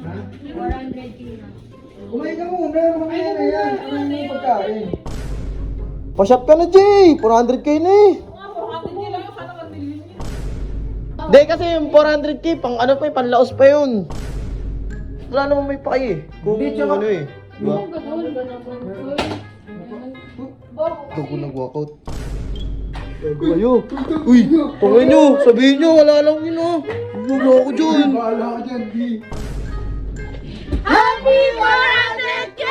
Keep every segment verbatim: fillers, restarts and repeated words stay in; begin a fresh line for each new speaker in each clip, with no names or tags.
four hundred k na.
Kumain ka muna, mamaya na yan. Ano yung pagkain? Pa-shop ka na, Jay! four hundred k na eh!
four hundred k lang yung sana one million yun.
Hindi kasi yung four hundred k, pang ano pa eh, panlaos pa yun. Wala naman may paki eh. Kung ano eh. Diba?
Ang ganun, ganun.
Ito ko nag-walkout. Kayo. Uy, tungay nyo. Sabihin nyo, wala lang yun ah. Wala ako dyan. Wala ako dyan, di.
Happy four hundred k!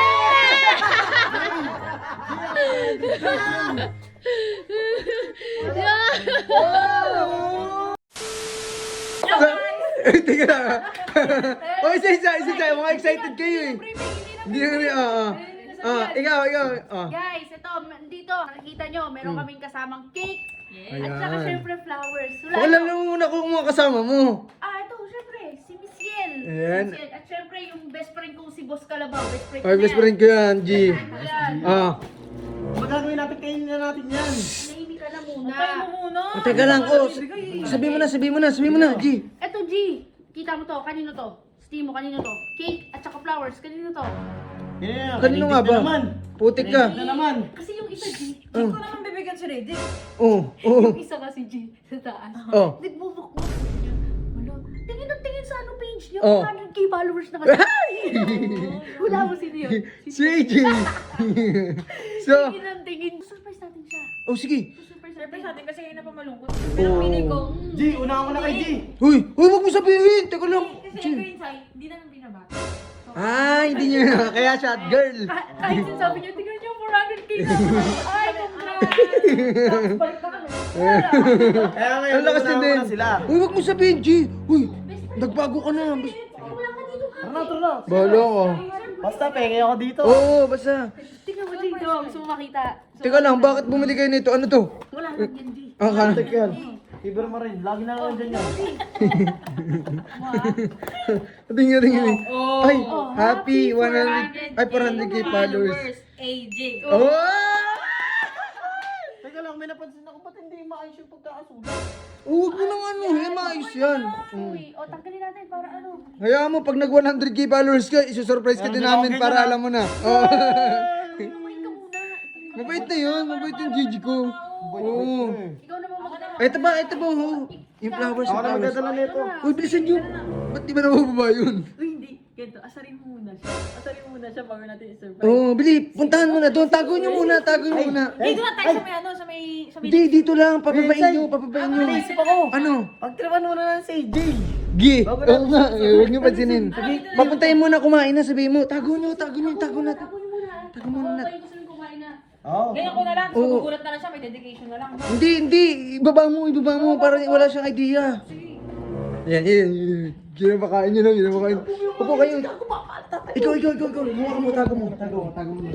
Eh, tingnan na. O, isa, isa, isa, isa. Mga excited kayo eh. Hindi na rin, ah, ah. Ah, ikaw, ikaw, ah.
Guys, ito, dito, nakikita nyo, meron kaming kasamang cake. At saka
Ayan.
syempre flowers. Wala
Wala
ito.
lang muna kung mga kasama mo.
Ah, ito, syempre, si Miss Yen.
Ayan.
Si Miss Yen. At syempre, yung best friend kong si Boss Calabaw. Best friend
Ay,
ko
best
yan.
friend ko yan, G.
Ayan.
Ah.
Magagawin natin, kainin na natin yan.
Nahimik ka na muna.
Try mo muna.
Oh, teka lang, oh. Sabihin mo na, sabihin mo na, sabihin mo na, G.
Eto, G. Kita mo to, kanino to? Steam mo, kanino to? Cake at saka flowers, kanino to?
Yeah,
Kanino nga ba?
naman.
Putik ka.
Na naman.
Kasi yung isa, G.
Hindi ko naman bibigyan si Redick.
Oh, oh,
Yung isa kasi, G, sa taas.
oh.
Nagbubukbuk niya. Wala. Tingin ng tingin sa ano page niya.
Oh.
one hundred k followers na kasi. Wala mo sino yun.
Si A J. So,
Tingin ng tingin. Surprise natin siya.
oh sige.
Surprise
Siyempre
natin.
sa atin kasi ngayon na pa malungkot. Pero pinig ko.
G, una ako na kay G.
Uy, uy, wag mo sabihin. Teka lang.
Kasi
G.
ito inside, hindi naman binabata.
Ah, hindi niya. Kaya shot girl.
Ka- Kahit sinasabi niyo, tingnan niyo four hundred k na. Ay, congrats.
Tapos balik na kami.
Kaya ngayon,
Ang lakas
una
din.
na sila.
Uy, wag mo sabihin, G. Uy, nagbago ka na. Bas-
Wala ka dito.
Tara na, tara na.
Bahala ka.
Basta, penge ako dito.
Oo, basta.
Tingnan mo dito. Gusto mo makita. So,
Teka lang, bakit bumili kayo nito? Ano to?
wala lang yan, G.
Ah, ka.
Tek yan. Fiber mo rin. Lagi na lang dyan yan.
Tingnan, tingnan.
Oh.
Ay,
Oh,
happy
happy
one hundred. Ay, four hundred k followers.
A J.
Oh!
Teka lang, may napansin ako. Ba't hindi maayos yung pagkakasulat?
Oh, wag mo nang ano, eh, maayos yan.
Uy, o tanggalin natin para ano.
Hayaan mo, pag nag one hundred k followers ka, isusurprise ka din
Meron
namin
din ako
para
ganyan,
alam mo na. Oh.
Mabait ka muna.
Mabait na yun, mabait yung Gigi ko. Oo.
Ikaw naman magdala.
Ito ba, ito ba, oh. Yung flowers,
Ako
yung
na
flowers.
magdadala nito.
Uy, bilisan nyo. Ba't di ba nabababa yun?
Uy, hindi. Ganito, asarin mo muna siya. Asarin mo muna siya bago natin i-surprise.
Oo, oh, bili, puntahan mo na doon. Tago nyo muna, tago nyo muna.
Dito na tayo sa may ano, sa may... Sa may...
Hindi, dito lang, papabain nyo, papabain nyo.
Naisip ako.
Ano?
Pagtripan mo na lang si J.
Gi, oo nga, eh, huwag nyo pansinin. Papuntahin mo na, kumain na, sabihin mo, tago nyo, tago nyo, tago na.
Tago niyo muna.
Tago mo na.
Kayo gusto nyo kumain na.
Oo.
Ganyan ko na lang,
Oo.
tapos magugulat na lang siya, may dedication na lang.
Hindi, hindi, ibaba mo, ibaba mo, para wala siyang idea. Yan, yan, yan. Ginabakain nyo lang, ginabakain. Upo kayo. Ikaw, ikaw, ikaw, ikaw. Mukha mo, tago mo, tago mo, tago mo.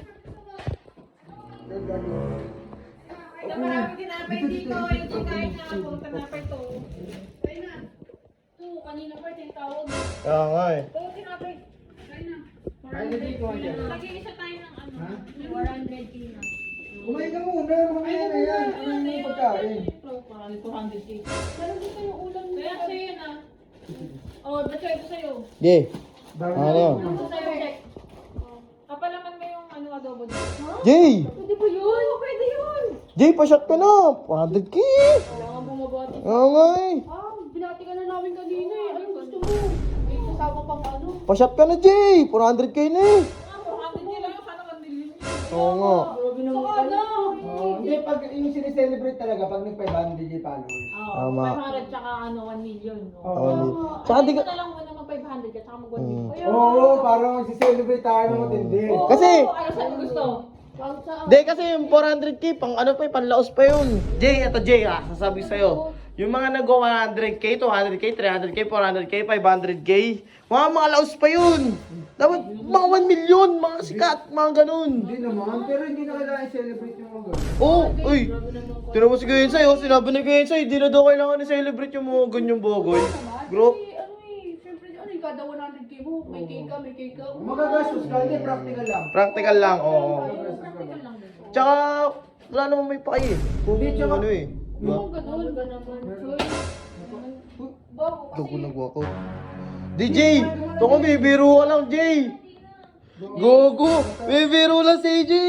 Ito maraming tinapay dito, hindi kahit na ako tinapay to.
Kain na. Oo, kanina pa tinatawag.
Oo nga eh.
Oo, tinapay.
Kain na.
Ay, hindi ko yan.
Nag-iisa tayo ng ano.
four hundred k na.
Kumain ka muna, mamaya na yan. Ano yung pagkain?
Parang two hundred k.
Meron din kayo ulam na.
Kaya sa'yo yan ah. Oh, that's why ito sa'yo.
Ge. Ano?
Ito sa'yo, check. Kapalaman mo yung ano adobo dito.
Jay!
Pwede ba yun?
Pwede yun!
Jay, pa-shot ka na! four hundred k!
Wala nga bumabati.
Oo nga eh.
Ah, binati ka na namin kanina eh. Anong gusto mo? May kasama pang ano.
Pa-shot ka na, Jay! four hundred k na eh.
Ah, four hundred k lang yung sana one million yun.
Oo nga.
Saka na!
Hindi, pag yung sineselebrate talaga, pag nag-five hundred k followers.
Oo,
Tama.
five hundred tsaka ano, one million.
Oo.
Oh.
Tsaka di
Hindi
ka...
ko na lang muna mag five hundred ka tsaka mag one million. Kaya,
Oo, parang magsiselebrate tayo ng matindi.
Oo,
Kasi-
ano saan mo gusto?
Pang sa...
Hindi, kasi yung four hundred k, pang ano pa eh, panlaos pa yun.
Jay, ito Jay ah, sasabi sa'yo. Yung mga nag-go one hundred k, two hundred k, three hundred k, four hundred k, five hundred k, mga mga laos pa yun. Dapat mga one million, mga sikat, mga ganun.
Hindi naman, pero hindi na kailangan i-celebrate yung mga ganun.
Oo, oh, uy. Tinan mo si Gensay, oh, sinabi ni Gensay, di na daw kailangan i-celebrate yung mga ganyang bogoy. Bro,
Kasi ano eh, syempre ano eh, kada one hundred k mo, may cake ka, may cake ka.
Magagastos ka, hindi, practical lang.
practical lang, oo.
Practical lang din.
Tsaka, wala namang may paki eh. Kung ano eh. Diba?
Ang ganun, ganun. Uy, bago
Ito ko
kasi.
nag-walkout.
D J, ito ko, bibiro ka lang, Jay. Gogo, bibiro lang si A J.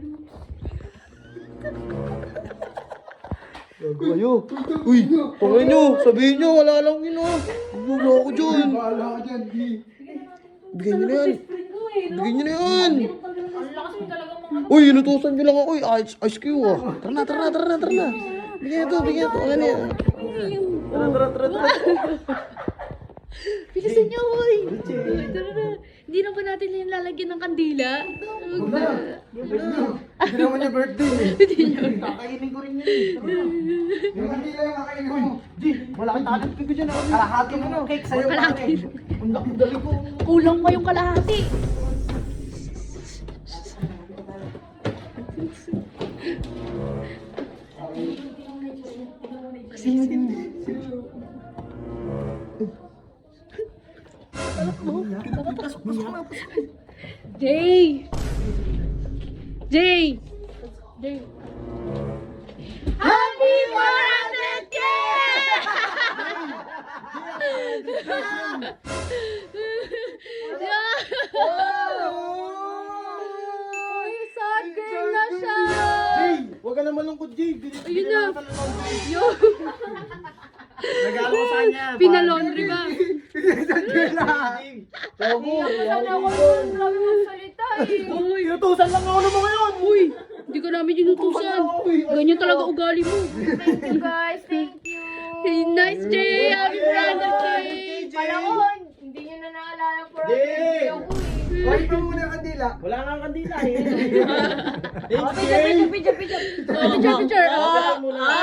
Gogo kayo. Uy, tungin nyo, sabihin nyo, wala lang yun ah. Wala ako dyan.
Bahala ka dyan, di.
Bigyan nyo na yan. Bigyan nyo na yan.
Ang lakas mo talaga mga...
Uy, inutusan nyo lang ako. Uy, ice, ice cube ah. Tara na, tara na, tara na, tara na. Bigyan ito, bigyan ito. Ano yan? Tara, tara, tara, tara.
Bilisan niyo, boy! Tara na. Hindi na ba natin yung lalagyan ng kandila?
Hindi naman niya birthday eh.
Kakainin ko rin yun eh.
Yung kandila yung kakainin mo.
Di, malaking talent ko dyan. Kalahati mo na. Cake sa'yo.
Kalahati.
Ang laki dali ko.
Kulang pa yung kalahati. Jay! Jay! Jay! Happy four hundred K! Uy, sad girl na siya!
Jay, huwag ka na malungkot, Jay. Bin-
Ayun na.
binigyan ka ng laundry.
Yo!
Regalo ko sa kanya.
Pinalaundry ba?
Togo,
Sana ako yung grabe magsalita eh. Uy,
inutusan lang ako ng mga yun.
uy, hindi ka namin inutusan. Ganyan talaga ugali mo.
Thank you guys, thank you.
Hey, nice Jay! Happy four hundred K!
Kala ko, hindi nyo na naalala for
Di.
ako eh.
Wait mo muna yung kandila.
Wala nga ang kandila eh.
Oh, picture, picture, picture, picture.
Oh, picture, picture.
Wala mo na.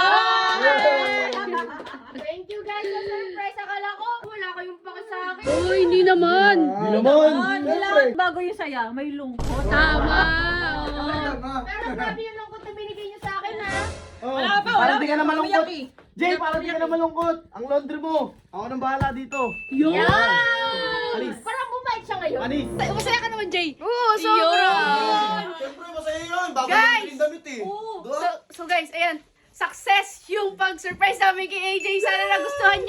Thank you guys sa surprise. Akala ko, wala kayong paki sa akin.
Uy, hindi naman.
Hindi naman.
Kailangan bago yung saya, may lungkot.
Tama. Oo.
Tama.
Pero grabe yung lungkot na binigay nyo sa akin ha.
Oh,
Wala pa,
parang
wala
di ka
pa,
na malungkot.
umiyak eh.
Jay, parang di ka na malungkot. Ang laundry mo. Ako nang bahala dito.
Yun.
Alis.
Parang bumait siya ngayon.
Anis.
Masaya ka naman, Jay.
Oo, sobra.
Siyempre, masaya yun. Bago
Guys!
yung damit eh.
So, so guys, ayan. Success yung pag-surprise namin kay A J. Sana nagustuhan